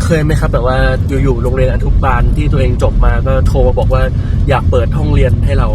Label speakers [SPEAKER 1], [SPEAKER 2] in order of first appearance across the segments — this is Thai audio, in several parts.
[SPEAKER 1] เคยไหมครับแบบว่าอยู่ๆโรงเรียนอนุบาลที่ตัวเองจบมาก็โทรมาบอกว่าอยากเปิดห้องเรียนให้เรา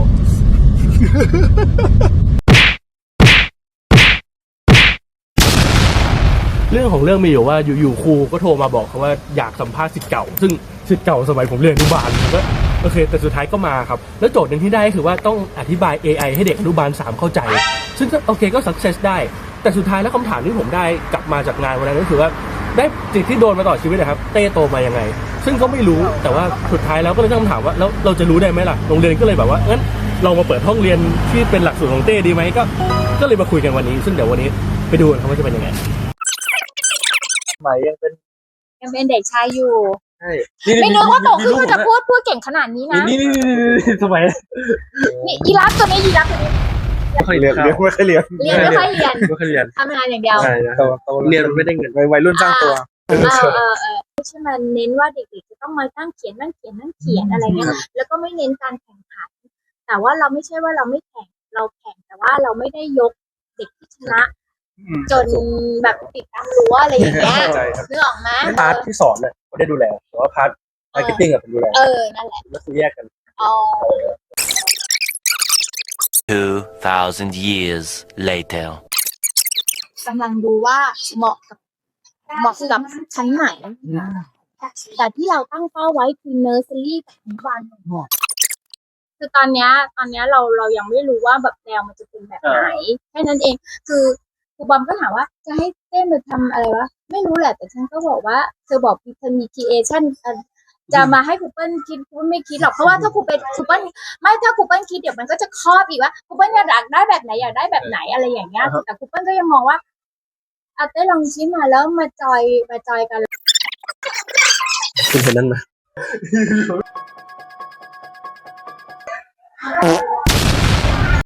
[SPEAKER 1] เรื่องของเรื่องมีอยู่ว่าอยู่ครูก็โทรมาบอกเขาว่าอยากสัมภาษณ์ศิษย์เก่าซึ่งศิษย์เก่าสมัยผมเรียนอนุบาลผมก็โอเคแต่สุดท้ายก็มาครับแล้วโจทย์หนึ่งที่ได้คือว่าต้องอธิบาย AI ให้เด็กอนุบาล3เข้าใจซึ่งก็โอเคก็ success ได้แต่สุดท้ายแล้วคำถามที่ผมได้กลับมาจากงานวันนั้นก็คือว่าได้สิ่งที่โดนมาต่อชีวิตนะครับเต้โตมายังไงซึ่งก็ไม่รู้แต่ว่าสุดท้ายแล้วก็เลยต้องคำถามว่าแล้วเราจะรู้ได้ไหมล่ะโรงเรียนก็เลยแบบว่างั้นเรามาเปิดห้องเรียนที่เป็นหลักสูตรของเต้ดีไหมก็เลยมาคุยกันวันนี้ซึ่งเดี๋ยววันนี้ไปดูกันครับว่าจะเป็นยังไงหมายยังเป็น
[SPEAKER 2] เด็กชายอยู่
[SPEAKER 1] ใช่
[SPEAKER 2] ไม่นึกว่าโตขึ้นจะพูดเก่งขนาดนี้นะ
[SPEAKER 1] นี่ทำไม
[SPEAKER 2] นี่ยีราฟตัวนี้
[SPEAKER 1] ไม่ค่อยเรียนไม่ค่อยเรียน
[SPEAKER 2] ทำงานอย่างเดียว
[SPEAKER 1] ใช่เรียนไม่ได้เงิน
[SPEAKER 3] วัยรุ่นสร้างตัว
[SPEAKER 2] ใช่มันเน้นว่าเด็กๆจะต้องมาตั้งเขียนอะไรเงี้ยแล้วก็ไม่เน้นการแข่งขันแต่ว่าเราไม่ใช่ว่าเราไม่แข่งเราแข่งแต่ว่าเราไม่ได้ยกเด็กที่ชนะจนแบบติดตามรั้วอะไรอย่างเงี้ยนึกออกไหม
[SPEAKER 1] พาร์ทที่สอนเนี่ยผมได้ดูแลแต่ว่าพาร์ทมาร์เก็ตติ้งผมดูแล
[SPEAKER 2] นั่นแหละ
[SPEAKER 1] แล้วคือแยกกัน
[SPEAKER 4] 2,000 years later
[SPEAKER 2] กำลังดูว่าเหมาะกับชั้นไหนแต่ที่เราตั้งเป้าไว้คือเนอร์เซอรี่กับอนุบาลคือตอนเนี้ยเรายังไม่รู้ว่าแบบแนวมันจะเป็นแบบไหนแค่นั้นเองคือครูบอมก็ถามว่าจะให้เต้นมาทำอะไรวะไม่รู้แหละแต่ฉันก็บอกว่าเธอบอกเธอมี creation จะมาให้ครูเปิ้ลคิดครูไม่คิดหรอกเพราะว่าถ้าครูเปิ้ลคิดเดี๋ยวมันก็จะครอบอีกว่าครูเปิ้ลอยากได้แบบไหนอะไรอย่างเงี้ยแต่ครูเปิ้ลก็ยังมองว่าเต้ลองชี้มาแล้วมาจอยกัน
[SPEAKER 1] คุณเป็นนั่นไหม